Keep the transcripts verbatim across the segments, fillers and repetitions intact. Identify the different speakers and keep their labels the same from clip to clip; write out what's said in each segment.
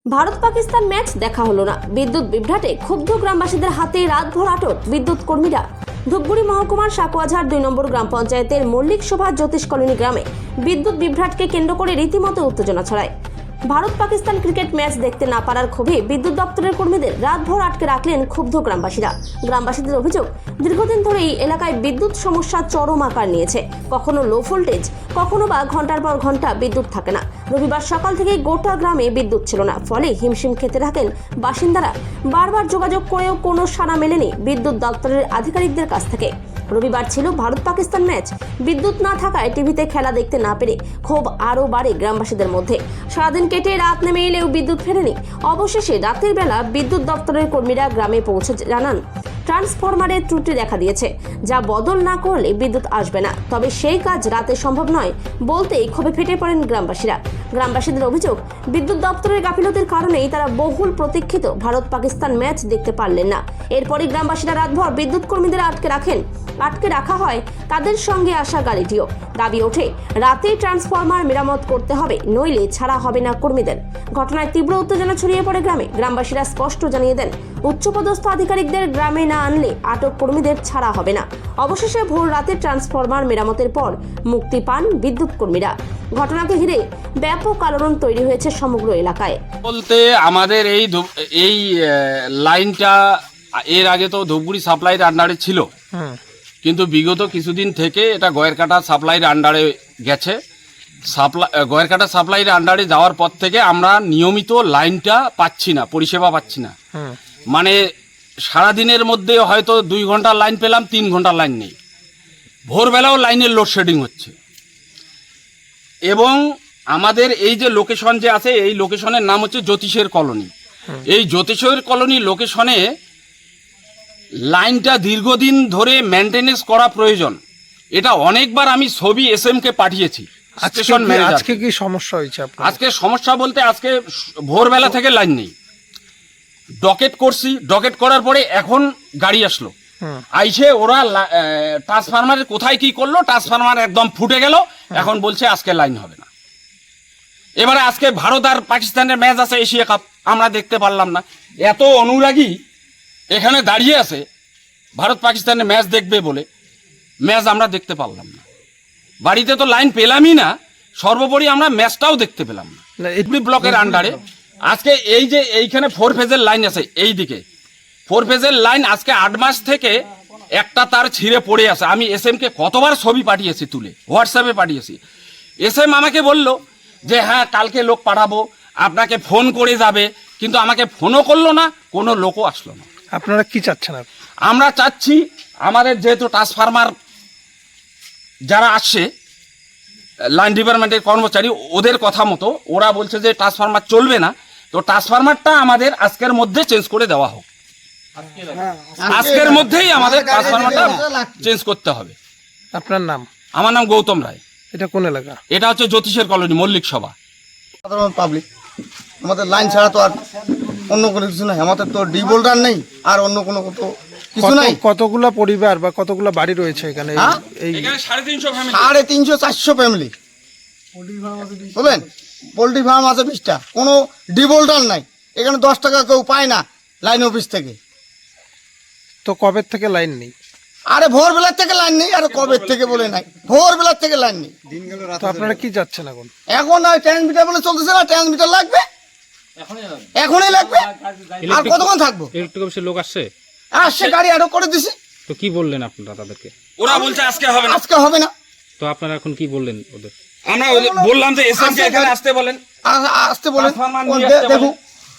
Speaker 1: Bharat Pakistan match দেখা হলো না। বিদ্যুৎ বিভ্রাটে ক্ষুব্ধ গ্রামবাসীদের হাতে রাতভর আটক বিদ্যুৎ কর্মীরা। ধূপগুড়ি মহকুমার সাকুয়াঝাড় দুই নম্বর গ্রাম পঞ্চায়েতের মল্লিক শোভা জ্যোতিষ কলোনি গ্রামে বিদ্যুৎ বিভ্রাটকে কেন্দ্র করে রীতিমতো উত্তেজনা ছড়ায়। ভারত পাকিস্তান ক্রিকেট ম্যাচ দেখতে না পারার ক্ষোভে বিদ্যুৎ দপ্তরের কর্মীদের রাতভর আটকে রাখলেন ক্ষুব্ধ গ্রামবাসীরা। গ্রামবাসীদের অভিযোগ, দীর্ঘদিন ধরে এই এলাকায় বিদ্যুৎ সমস্যা চরম আকার নিয়েছে। কখনো লো ভোল্টেজ, কখনো বা ঘন্টার পর ঘন্টা বিদ্যুৎ থাকে না। রবিবার সকাল থেকে গোটা গ্রামে বিদ্যুৎ ছিল না, ফলে হিমশিম খেতে থাকেন বাসিন্দারা। বারবার যোগাযোগ করেও কোনো সাড়া মেলেনি বিদ্যুৎ দপ্তরের আধিকারিকদের কাছ থেকে। রবিবার ছিল ভারত পাকিস্তান ম্যাচ, বিদ্যুৎ না থাকায় টিভিতে খেলা দেখতে না পেরে ক্ষোভ আরও বাড়ে গ্রামবাসীদের মধ্যে। সারাদিন কেটে রাত নেমে এলেও বিদ্যুৎ ফেরেনি। অবশেষে রাতের বেলা বিদ্যুৎ দপ্তরের কর্মীরা গ্রামে পৌঁছে জানান, ট্রান্সফরমারের ত্রুটি দেখা দিয়েছে, যা বদল না করলে বিদ্যুৎ আসবে না। তবে সেই কাজ রাতে সম্ভব নয় বলতেই ক্ষোভে ফেটে পড়েন গ্রামবাসীরা। গ্রামবাসীদের অভিযোগ, বিদ্যুৎ দপ্তরের গাফিলতির কারণেই তারা বহুল প্রতীক্ষিত ভারত পাকিস্তান ম্যাচ দেখতে পারলেন না। এরপরই গ্রামবাসীরা রাতভর বিদ্যুৎ কর্মীদের আটকে রাখেন। আটকে রাখা হয় তাদের সঙ্গে আসা গাড়িটিও। দাবি ওঠে, রাতে ট্রান্সফরমার মেরামত করতে হবে, নইলে ছাড়া হবে না কর্মীদের। ঘটনায় তীব্র উত্তেজনা ছড়িয়ে পড়ে গ্রামে। গ্রামবাসীরা স্পষ্ট জানিয়ে দেন, উচ্চপদস্থ আধিকারিকদের গ্রামে না আনলে আটক কর্মীদের ছাড়া হবে না। অবশেষে ভোর রাতে ট্রান্সফরমার মেরামতের পর মুক্তি পান বিদ্যুৎ কর্মীরা। ঘটনাকে ঘিরে ব্যাপক আলোড়ন তৈরি হয়েছে সমগ্র এলাকায়।
Speaker 2: বলতে আমাদের এই এই লাইনটা এর আগে তো ধূপগুড়ি সাপ্লাইয়ের আন্ডারে ছিল, কিন্তু বিগত কিছুদিন থেকে এটা গয়েরকাটা সাপ্লাইয়ের আন্ডারে গেছে। সাপ্লাই গয়েরকাটা সাপ্লাইয়ের আন্ডারে যাওয়ার পর থেকে আমরা নিয়মিত লাইনটা পাচ্ছি না, পরিষেবা পাচ্ছি না। মানে সারাদিনের মধ্যে হয়তো দুই ঘন্টা লাইন পেলাম, তিন ঘন্টা লাইন নেই। ভোরবেলাও লাইনের লোডশেডিং হচ্ছে। এবং আমাদের এই যে লোকেশন যে আছে, এই লোকেশনের নাম হচ্ছে জ্যোতিষের কলোনি। এই জ্যোতিষের কলোনি লোকেশনে লাইনটা দীর্ঘদিন ধরে মেনটেনেন্স করা প্রয়োজন। এটা অনেকবার আমি ছবি এস এম কে পাঠিয়েছি।
Speaker 3: আজকে কি সমস্যা হয়েছে?
Speaker 2: আজকে সমস্যা বলতে আজকে ভোরবেলা থেকে লাইন নেই। ডকেট করছি, ডকেট করার পরে এখন গাড়ি আসলো, আইসে ওরা ট্রান্সফরমারের কোথায় কি করলো, ট্রান্সফরমার একদম ফুটে গেল। এখন বলছে আজকে লাইন হবে না। এবারে আজকে ভারত আর পাকিস্তানের ম্যাচ আছে, এশিয়া কাপ, আমরা দেখতে পারলাম না। এত অনুরাগী এখানে দাঁড়িয়ে আছে ভারত পাকিস্তানের ম্যাচ দেখবে বলে, ম্যাচ আমরা দেখতে পারলাম না। বাড়িতে তো লাইন পেলামই না, সর্বোপরি আমরা ম্যাচটাও দেখতে পেলাম না। ব্লকের আন্ডারে আজকে এই যে এইখানে ফোর ফেজের লাইন আছে, এই দিকে ফোর ফেজের লাইন আজকে আট মাস থেকে একটা তার ছিঁড়ে পড়ে আছে। আমি এস এম কে কতবার ছবি পাঠিয়েছি, তুলে হোয়াটসঅ্যাপে পাঠিয়েছি। এস এম আমাকে বলল যে হ্যাঁ কালকে লোক পাঠাবো, আপনাকে ফোন করে যাবে, কিন্তু আমাকে ফোনও করলো না, কোনো লোকও আসলো না।
Speaker 3: আপনারা কি চাচ্ছেন?
Speaker 2: আমরা চাচ্ছি আমাদের যেহেতু ট্রান্সফরমার যারা আসছে লাইন ডিপার্টমেন্টের কর্মচারী, ওদের কথা মতো ওরা বলছে যে ট্রান্সফরমার চলবে না, তো ট্রান্সফরমারটা আমাদের আজকের মধ্যে চেঞ্জ করে দেওয়া হোক। আজকের মধ্যেই আমাদের ট্রান্সফরমারটা চেঞ্জ করতে হবে।
Speaker 3: আপনার নাম?
Speaker 2: আমার নাম গৌতম রায়।
Speaker 3: এটা কোন এলাকা?
Speaker 2: এটা হচ্ছে জ্যোতিষের কলোনি, মল্লিক সভা।
Speaker 4: সাধারণ পাবলিক, আমাদের লাইন ছাড়া তো আর অন্য কোনো কিছু নাই। আমাদের তো ডি বোল্ডার নেই, আর অন্য কোনো কিছু নাই।
Speaker 3: কতগুলা পরিবার বা কতগুলা বাড়ি রয়েছে এখানে? এই
Speaker 2: সাড়ে তিনশো
Speaker 4: সাড়ে তিনশো চারশো ফ্যামিলি। বলেন পোল্ট্রি ফার্ম আছে বিশটা, কোনো ডি বোল্ডার নাই। এখানে দশ টাকা কেউ পায় না লাইন অফিস থেকে।
Speaker 3: তো কবে থেকে লাইন নেই?
Speaker 4: আরে ভোরবেলার থেকে লাইন নেই, আর কবে থেকে বলে নাই, ভোরবেলার থেকে লাইন নেই।
Speaker 3: তো আপনারা কি যাচ্ছেন এখন?
Speaker 4: এখন ট্রান্সমিটার বলে চলতেছে না, ট্রান্সমিটার লাগবে, এখনই লাগবে। আর কতক্ষণ থাকবো?
Speaker 5: ইলেকট্রিক অফিসের লোক আসছে?
Speaker 4: আসছে, গাড়ি আরো করে দিছি।
Speaker 5: তো কি বললেন আপনারা তাদেরকে?
Speaker 2: ওরা বলছে আজকে হবে না,
Speaker 4: আজকে হবে না।
Speaker 5: তো আপনারা এখন কি বললেন ওদের?
Speaker 2: আমরা বললাম যে এসএম কে এখানে আসতে বলেন,
Speaker 4: আসতে বলেন, দেখুন।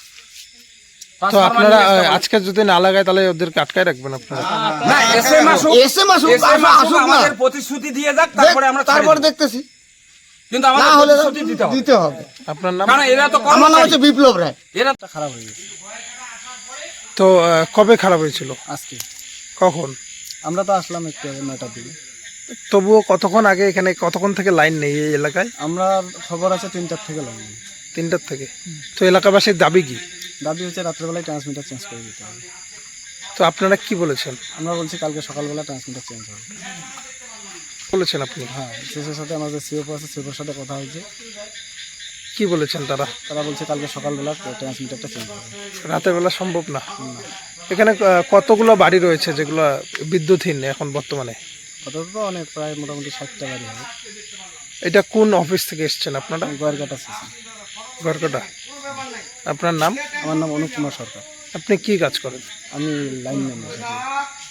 Speaker 3: তো আপনারা আজকে যদি না লাগায় তাহলে ওদেরকে আটকায় রাখবেন আপনারা?
Speaker 2: না, এসএম আসুক,
Speaker 4: এসএম আসুক, আসুক না,
Speaker 2: আমাদের প্রতিশ্রুতি দিয়ে যাক, তারপরে আমরা
Speaker 4: তারপর দেখতেছি।
Speaker 2: কিন্তু আমাদের প্রতিশ্রুতি দিতে হবে।
Speaker 4: দিতে হবে।
Speaker 3: আপনার নাম?
Speaker 2: কারণ এরা তো
Speaker 4: আমার নাম হচ্ছে বিপ্লব রায়।
Speaker 2: এরা
Speaker 4: তো খারাপ হয়ে গেছে।
Speaker 3: তো কবে খারাপ হয়েছিল?
Speaker 4: আজকে।
Speaker 3: কখন?
Speaker 4: আমরা তো আসলাম একটু নয়টার দিকে।
Speaker 3: তবুও কতক্ষণ আগে এখানে কতক্ষণ থেকে লাইন নেই এই এলাকায়?
Speaker 4: আমরা খবর আছে তিনটার থেকে লাইন নেই।
Speaker 3: তিনটার থেকে? তো এলাকাবাসীর দাবি কি?
Speaker 4: দাবি হচ্ছে রাত্রেবেলায় ট্রান্সমিটার চেঞ্জ করে দিতে হবে।
Speaker 3: তো আপনারা কি বলেছেন?
Speaker 4: আমরা বলছি কালকে সকালবেলা ট্রান্সমিটার চেঞ্জ হবে
Speaker 3: বলেছেন আপনি?
Speaker 4: হ্যাঁ, সিওর সাথে আমাদের সিওর আছে, সিওর সাথে কথা হয়েছে।
Speaker 3: কি বলেছেন তারা?
Speaker 6: তারা বলছে কালকে সকালবেলা ট্রান্সমিটারটা চেঞ্জ হবে।
Speaker 3: রাতের বেলা সম্ভব না। এখানে আহ, কতগুলো বাড়ি রয়েছে যেগুলো বিদ্যুৎহীন এখন বর্তমানে?
Speaker 6: কত তো অনেক, প্রায় মোটামুটি ষাটটা বাড়ি হবে।
Speaker 3: এটা কোন অফিস থেকে এসেছেন আপনারা?
Speaker 6: গোয়ারঘাটা স্টেশন।
Speaker 3: গড়কটা। আপনার নাম?
Speaker 6: আমার নাম অনুপ কুমার সরকার।
Speaker 3: আপনি কি কাজ করেন?
Speaker 6: আমি লাইন ম্যান।